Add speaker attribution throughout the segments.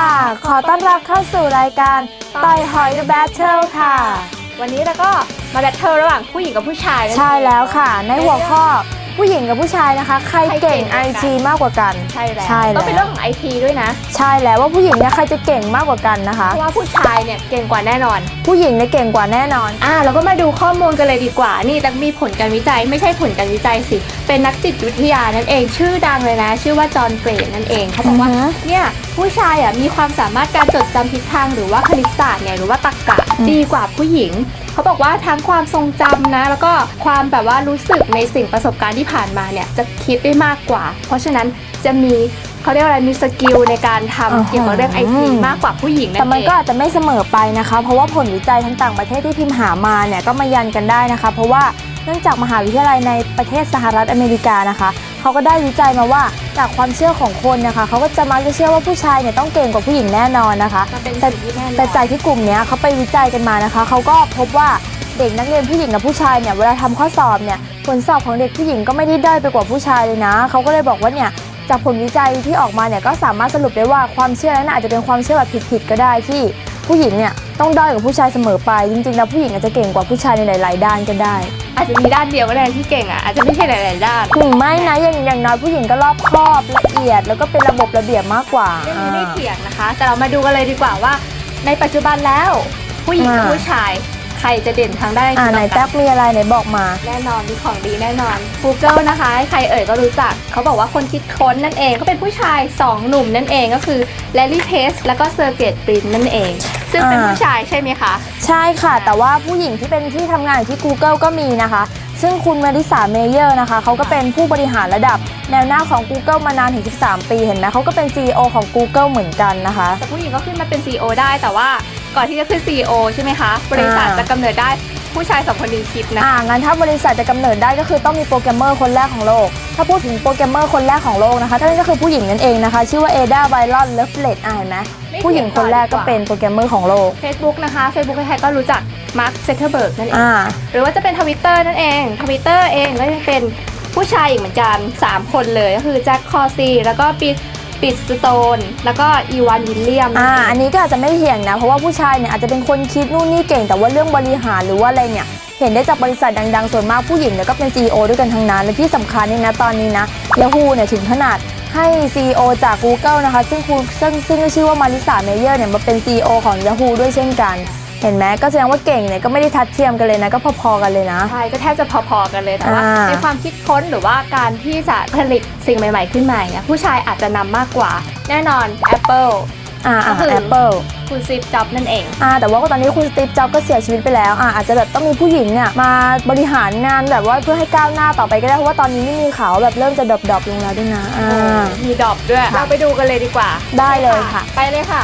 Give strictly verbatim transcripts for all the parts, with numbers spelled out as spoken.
Speaker 1: ขอต้อนรับเข้าสู่รายการต่อยหอย The Battle ค่ะ
Speaker 2: วันนี้เราก็มาแบทเทิลระหว่างผู้หญิงกับผู้ชาย
Speaker 1: ใช่แล้วค่ะในหัวข้อผู้หญิงกับผู้ชายนะคะใครเก่ง ไอ ที มากกว่ากัน
Speaker 2: ใช่แล้วก็เป็นเรื่องของ ไอ ที ด้วยนะ
Speaker 1: ใช่แล้วว่าผู้หญิงเนี่ยใครจะเก่งมากกว่ากันนะคะ
Speaker 2: เพราะว่าผู้ชายเนี่ยเก่งกว่าแน่นอน
Speaker 1: ผู้หญิงเนี่ยเก่งกว่าแน่นอน
Speaker 2: อ่าเราก็มาดูข้อมูลกันเลยดีกว่านี่แต่มีผลการวิจัยไม่ใช่ผลการวิจัยสิเป็นนักจิตวิทยานั่นเองชื่อดังเลยนะชื่อว่าจอห์นเกรดนั่นเองเขาบอกว่าเนี่ยผู้ชายอ่ะมีความสามารถการจดจำทิศทางหรือว่าคณิตศาสตร์เนี่ยหรือว่าตรรกะดีกว่าผู้หญิงเขาบอกว่าทั้งความทรงจำนะแล้วก็ความแบบว่ารู้สึกในสิ่งประสบการณ์ที่ผ่านมาเนี่ยจะคิดได้มากกว่าเพราะฉะนั้นจะมีเขาเรียกว่าอะไรมีสกิลในการทำเกี่ยวกับเรื่อง ไอ ที มากกว่าผู้หญิงนั่นเอง
Speaker 1: แต่มันก็อาจจะไม่เสมอไปนะคะเพราะว่าผลวิจัยทั้งต่างประเทศที่พิมพ์หามาเนี่ยก็มายันกันได้นะคะเพราะว่าเนื่องจากมหาวิทยาลัยในประเทศสหรัฐอเมริกานะคะเขาก็ได้วิจัยมาว่าจากความเชื่อของคนนะคะเขาก็จะมักจะเชื่อว่าผู้ชายเนี่ยต้องเก่งกว่าผู้หญิงแน่นอนนะคะแต่แต่จากที่กลุ่มนี้เขาไปวิจัยกันมานะคะเขาก็พบว่าเด็กนักเรียนผู้หญิงกับผู้ชายเนี่ยเวลาทำข้อสอบเนี่ยผลสอบของเด็กผู้หญิงก็ไม่ได้ด้อยไปกว่าผู้ชายเลยนะเขาก็เลยบอกว่าเนี่ยจากผลวิจัยที่ออกมาเนี่ยก็สามารถสรุปได้ว่าความเชื่อนั้นอาจจะเป็นความเชื่อแบบผิดๆก็ได้ที่ผู้หญิงเนี่ยต้องด้อยกว่าผู้ชายเสมอไปจริงๆแล้วผู้หญิงอาจจะเก่งกว่าผู้ชายในหลายๆด้านก็ได้
Speaker 2: อาจจะมีด้านเดียวก็ได้ที่เก่งอ่ะอาจจะไม่ใช่หลายๆด้าน
Speaker 1: ถึงไม่นะอย่างอย่างน้อยผู้หญิงก็รอบคอบละเอียดแล้วก็เป็นระบบระเบียบมากกว่า
Speaker 2: เรื่องนี้ไม่เถียงนะคะแต่เรามาดูกันเลยดีกว่าว่าในปัจจุบันแล้วผู้หญิงกับผู้ชายใครจะเด่นทางด้าน
Speaker 1: อ่าไหนแท็กมีอะไรไหนบอกมา
Speaker 2: แน่นอนมีของดีแน่นอน Google นะคะใครเอ่ยก็รู้จักเขาบอกว่าคนคิดค้นนั่นเองก็เป็นผู้ชายสองหนุ่มนั่นเองก็คือ Larry Page แล้วก็ Sergey Brin นั่นเองซึ่งเป็นผู้ชายใช่ไหมคะ
Speaker 1: ใช่ค่ะแต่ว่าผู้หญิงที่เป็นที่ทำงานอยู่ที่ Google ก็มีนะคะซึ่งคุณมาริสาเมเยอร์นะคะเขาก็เป็นผู้บริหารระดับแนวหน้าของ Google มานานถึงสิบสามปีเห็นไหมเขาก็เป็น ซี อี โอ ของ Google เหมือนกันนะคะ
Speaker 2: แต่ผู้หญิงก็ขึ้นมาเป็น ซี อี โอ ได้แต่ว่าก่อนที่จะขึ้น ซี อี โอ ใช่ไหมคะบริษัทจะกำเนิดได้ผู้ชายสองคนนี้คิดนะ
Speaker 1: อ่างั้นถ้าบริษัทจะกำเนิดได้ก็คือต้องมีโปรแกรมเมอร์คนแรกของโลกถ้าพูดถึงโปรแกรมเมอร์คนแรกของโลกนะคะนั่นก็คือผู้หญิงนั่นเองนะคะชื่อว่าเอดาไบรอนเลฟเลตอ่าเห็นไหมผู้หญิงคนแรกก็เป็นโปรแกรมเมอร์ของโลก
Speaker 2: Facebook นะคะ Facebook ใครๆก็รู้จักมาร์ค ซักเคอร์เบิร์กนั่นเองหรือว่าจะเป็น Twitter นั่นเอง Twitter เองก็จะเป็นผู้ชายอีกเหมือนกันสามคนเลยก็คือแจ็คคอร์ซีแล้วก็ปีปิดสโตนแล้วก็อีวานวิลเลียม
Speaker 1: อ่าอันนี้ก็อาจจะไม่เถียงนะเพราะว่าผู้ชายเนี่ยอาจจะเป็นคนคิดนู่นนี่เก่งแต่ว่าเรื่องบริหารหรือว่าอะไรเนี่ยเห็นได้จากบริษัทดังๆส่วนมากผู้หญิงเนี่ยก็เป็น ซี อี โอ ด้วยกันทั้งนั้นและที่สำคัญนี่นะตอนนี้นะ Yahoo เนี่ยถึงขนาดให้ ซี อี โอ จาก Google นะคะซึ่งคุณซึ่งซึ่งชื่อว่ามาริสาเมเยอร์เนี่ยมาเป็น ซี อี โอ ของ Yahoo ด้วยเช่นกันเห็นไหมก็แสดงว่าเก่งเนี่ยก็ไม่ได้ทัดเทียมกันเลยนะก็พอๆกันเลยนะ
Speaker 2: ใช่ก็แทบจะพอๆกันเลยแต่ว่าในความคิดค้นหรือว่าการที่จะผลิตสิ่งใหม่ๆขึ้นมาเนี่ยผู้ชายอาจจะนำมากกว่าแน่นอน Apple
Speaker 1: อ่าก็คือ Apple
Speaker 2: คุณสตีฟ จ็อบส์นั่นเอง
Speaker 1: อ่าแต่ว่าตอนนี้คุณสตีฟ จ็อบส์ก็เสียชีวิตไปแล้วอ่าอาจจะแบบต้องมีผู้หญิงเนี่ยมาบริหารงานแบบว่าเพื่อให้ก้าวหน้าต่อไปก็ได้เพราะว่าตอนนี้ไม่มีข่าวแบบเริ่มจะดรอปๆลงแล้วด้วยนะอ่า
Speaker 2: มีดรอปด้วยเราไปดูกันเลยดีกว่า
Speaker 1: ได้เลยค่ะ
Speaker 2: ไปเลยค่ะ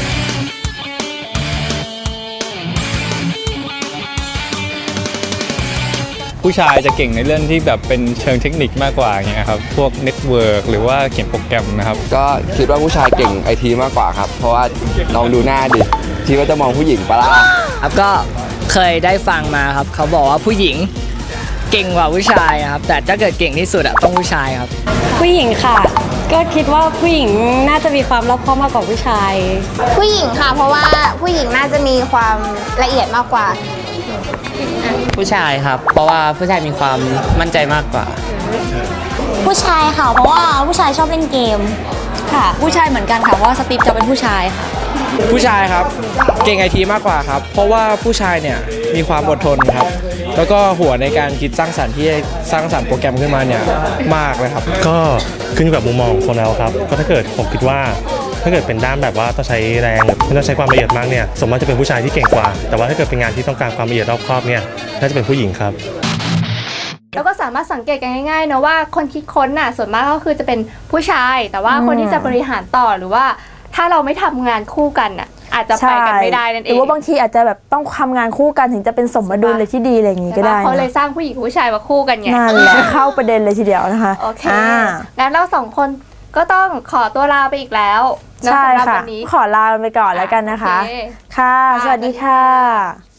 Speaker 3: ผู้ชายจะเก่งในเรื่องที่แบบเป็นเชิงเทคนิคมากกว่าอย่างเงี้ยครับพวกเน็ตเวิร์กหรือว่าเขียนโปรแกรมนะครับ
Speaker 4: ก็คิดว่าผู้ชายเก่ง ไอ ที มากกว่าครับเพราะว่าลองดูหน้าดิคิดว่าจะมองผู้หญิงปะล่ะ
Speaker 5: ครับก็เคยได้ฟังมาครับเขาบอกว่าผู้หญิงเก่งกว่าผู้ชายครับแต่ถ้าเกิดเก่งที่สุดอะต้องผู้ชายครับ
Speaker 6: ผู้หญิงค่ะก็คิดว่าผู้หญิงน่าจะมีความรอบคอบมากกว่าผู้ชาย
Speaker 7: ผู้หญิงค่ะเพราะว่าผู้หญิงน่าจะมีความละเอียดมากกว่า
Speaker 8: ผู้ชายครับเพราะว่าผู้ชายมีความมั่นใจมากกว่า
Speaker 9: ผู้ชายค่ะเพราะว่าผู้ชายชอบเล่นเกม
Speaker 6: ค่ะผู้ชายเหมือนกันค่ะเพราะว่าสตีฟจะเป็นผู้ชายค่ะ
Speaker 10: ผู้ชายครับเก่ง ไอ ที มากกว่าครับเพราะว่าผู้ชายเนี่ยมีความอดทนครับแล้วก็หัวในการคิดสร้างสรรค์ที่สร้างสรรค์โปรแกรมขึ้นมาเนี่ยมากเลยครับ
Speaker 11: ก็ขึ้นอยู่กับมุมมองของคนแล้วครับก็ถ้าเกิดผมคิดว่าถ้าเกิดเป็นด้านแบบว่าต้องใช้แรงไม่ต้องใช้ความละเอียดมากเนี่ยสมมติจะเป็นผู้ชายที่เก่งกว่าแต่ว่าถ้าเกิดเป็นงานที่ต้องการความละเอียดรอบคอบเนี่ยน่าจะเป็นผู้หญิงครับ
Speaker 2: แล้วก็สามารถสังเกตกันง่ายๆนะว่าคนคิดค้นน่ะส่วนมากก็คือจะเป็นผู้ชายแต่ว่าคนที่จะบริหารต่อหรือว่าถ้าเราไม่ทำงานคู่กันน่ะอาจจะไปกันไม่ได้นั่นเอง
Speaker 1: หรือว่าบางทีอาจจะแบบต้องทำงานคู่กันถึงจะเป็นสมดุลเลยที่ดีอะไรอย่างงี้ก็ได้
Speaker 2: เขาเลยสร้างผู้หญิงผู้ชายมาคู่กันไง
Speaker 1: นั่นแหละเข้าประเด็นเลยทีเดียวนะคะ
Speaker 2: โอเคงั้นเราสองคนก็ต้องขอตัวลาไปอีกแล้ว
Speaker 1: ใช่ค่ะขอลาไปก่อนแล้วกันนะคะค่ะสวัสดีค่ะ